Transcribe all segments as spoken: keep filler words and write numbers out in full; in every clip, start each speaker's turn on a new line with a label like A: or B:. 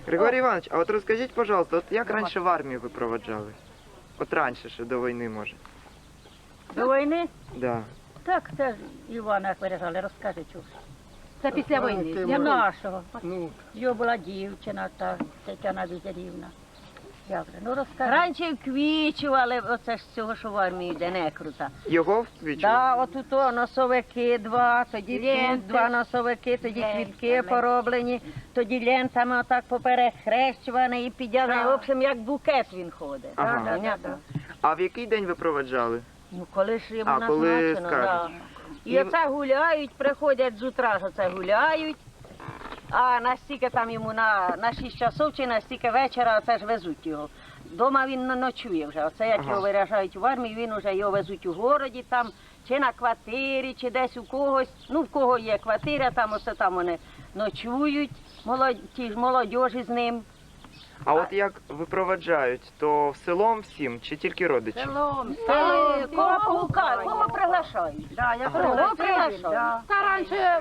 A: Григорій Іванович, а от розкажіть, пожалуйста, от як раніше в армію ви проводжали? От раніше, ще до війни, може.
B: До війни?
A: Да.
B: Так, це ж Івана як виражали, розкажи чого.
C: Це після війни.
B: Для нашого.
D: Ну,
B: Його була дівчина, та Тетяна Візерівна. Як же? Ну розкажи.
C: Раніше вквічували, оце ж з цього, що в армії йде, не крута.
A: Його вквічували?
C: Да, отут о, носовики два, тоді
B: Ленти.
C: тут два носовики, тоді
B: Ленти,
C: квітки
B: ленти.
C: пороблені, тоді лентами отак поперехрещувані і підняли.
B: Так.
C: В общем, як букет він ходить.
A: Ага.
C: Так, понятно?
A: А в який день ви проводжали?
C: Ну, коли ж йому
A: А, коли
C: назначено, да.
A: скажуть.
C: І
A: І-
C: оце гуляють, приходять з утра, ж оце гуляють, а настільки там йому на, на шість часов чи настільки вечора оце ж везуть його. Дома він не ночує вже, оце як
A: Ага.
C: його виряжають в армію, він вже його везуть у городі, там, чи на квартирі, чи десь у когось, ну в кого є квартира, там оце там вони ночують, молодь, ті ж молодіжі з ним.
A: А от як випроваджають, то в селом всім чи тільки родичі?
B: Селом,
C: Та, кого погукають, кого приглашають.
B: Да, я
A: Ага.
C: Кого приглашають.
B: Та раніше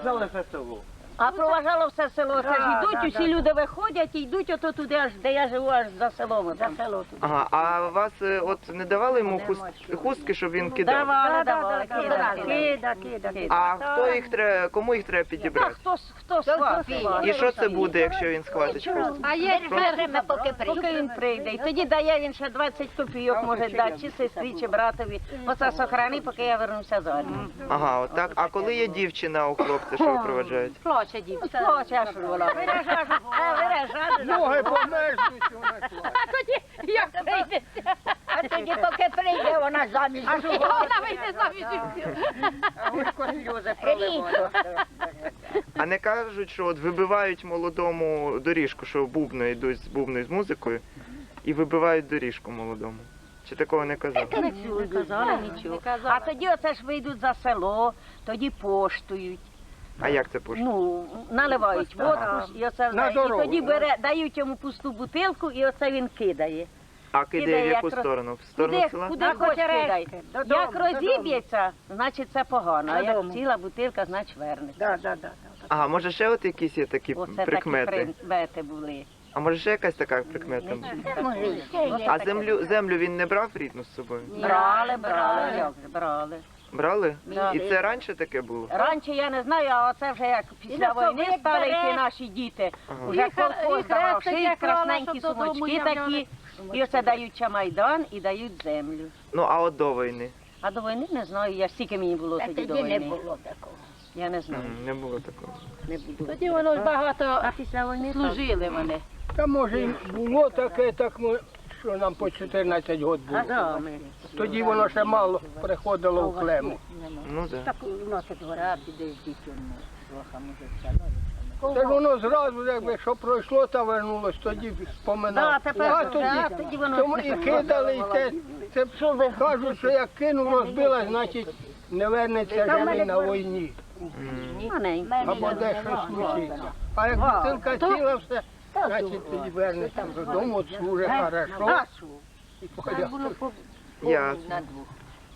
C: А проважало все село, це ж
B: Да,
C: йдуть,
B: да,
C: усі
B: да.
C: люди виходять і йдуть ото туди, аж де я живу, аж за селом.
B: за
C: Там.
B: село туди.
A: Ага, а вас е, от не давали йому хуст- хустки, щоб він кидав?
C: Давали,
B: Да,
C: давали,
B: да, да,
C: кидали.
B: кида, кида, кида.
A: А хто їх треба, кому їх треба
C: Та
A: підібрати?
C: хто, с- хто схватить?
A: І що це буде, якщо він схватить хустку?
C: А є поки прийде. Поки він прийде. І тоді дає він ще двадцять копійок, може дати, чи сестрі, чи братові. Оце сохрани, поки я вернуся з армії.
A: Ага, от так. А коли є дівчина у хлопця, що випроваджають?
C: Плаче дівчина. Плаче, а що вона? Виражає, виражає.
D: ноги померзнуть, вона класна.
C: А тоді, як прийдеться?
B: А тоді поки прийде, вона заміж.
C: А що вона вийде заміж?
D: А гусько сльози проливає.
A: А не кажуть, що от вибивають молодому доріжку, що бубно йдуть з бубною з музикою і вибивають доріжку молодому. Чи такого не казали?
C: Не чули, не казали нічого. А тоді оце ж вийдуть за село, тоді поштують.
A: А як це пошли?
C: Ну, наливають водку, і, оце,
D: На
C: і
D: дорогу,
C: тоді
D: да?
C: бере, дають йому пусту бутилку, і оце він кидає.
A: А кидає в
C: кидає,
A: яку
C: як роз-
A: сторону? В сторону
C: Куди,
A: села?
C: куди
B: На
C: хоч кидає.
B: Котерецьке, додому,
C: Як розіб'ється, значить це погано, а як
B: Додому.
C: ціла бутилка, значить вернеться.
B: Да, да, да.
A: Ага, може ще от якісь є такі
C: Оце такі
A: прикмети?
C: прикмети були.
A: А може ще якась така прикмета?
C: Не
A: була?
C: чули
B: Може,
C: такої.
B: ще є.
C: Оце
A: А
C: таке.
A: землю, землю він не брав рідну з собою?
C: Брали, брали, як же, брали.
A: Брали?
C: Да.
A: І це раніше таке було?
C: Раніше я не знаю, а оце вже як
B: І
C: після
B: на собі
C: війни
B: як
C: стали
B: бере.
C: йти наші діти.
A: Ага.
C: Уже
B: І хе-
C: колхоз
B: і
C: давав
B: хрестик
C: шиї,
B: як крала,
C: красненькі
B: щоб додому
C: сумочки
B: являли.
C: такі. І оце дають чамайдан і дають землю.
A: Ну, а от до війни?
C: А до війни не знаю, я стільки мені було
B: Та
C: тоді до
B: тоді не
C: війни.
B: було такого.
C: Я не знаю,
A: М, Не було такого.
C: не буду.
B: Тоді воно ж багато
C: А після війни
B: служили вони.
D: Та може і було таке, так ми, що нам по чотирнадцять років
C: А
D: було.
C: да, ми.
D: Тоді воно ще мало приходило в клему.
A: Ну так.
B: Так носить гора, піде з дітьми.
D: Та ж воно зразу, якби що пройшло та вернулось, тоді споминав.
C: Да, тепер
D: а
C: вже,
D: тоді,
C: а тоді воно
D: тому і кидали, і те, це кажуть, що як кинув, розбила, значить не вернеться живий на війні.
C: маленькі.
D: Або де щось случиться. А як бутилка ціла все, значить тоді вернеться додому, от служить хорошо. І поїде.
A: Ясно.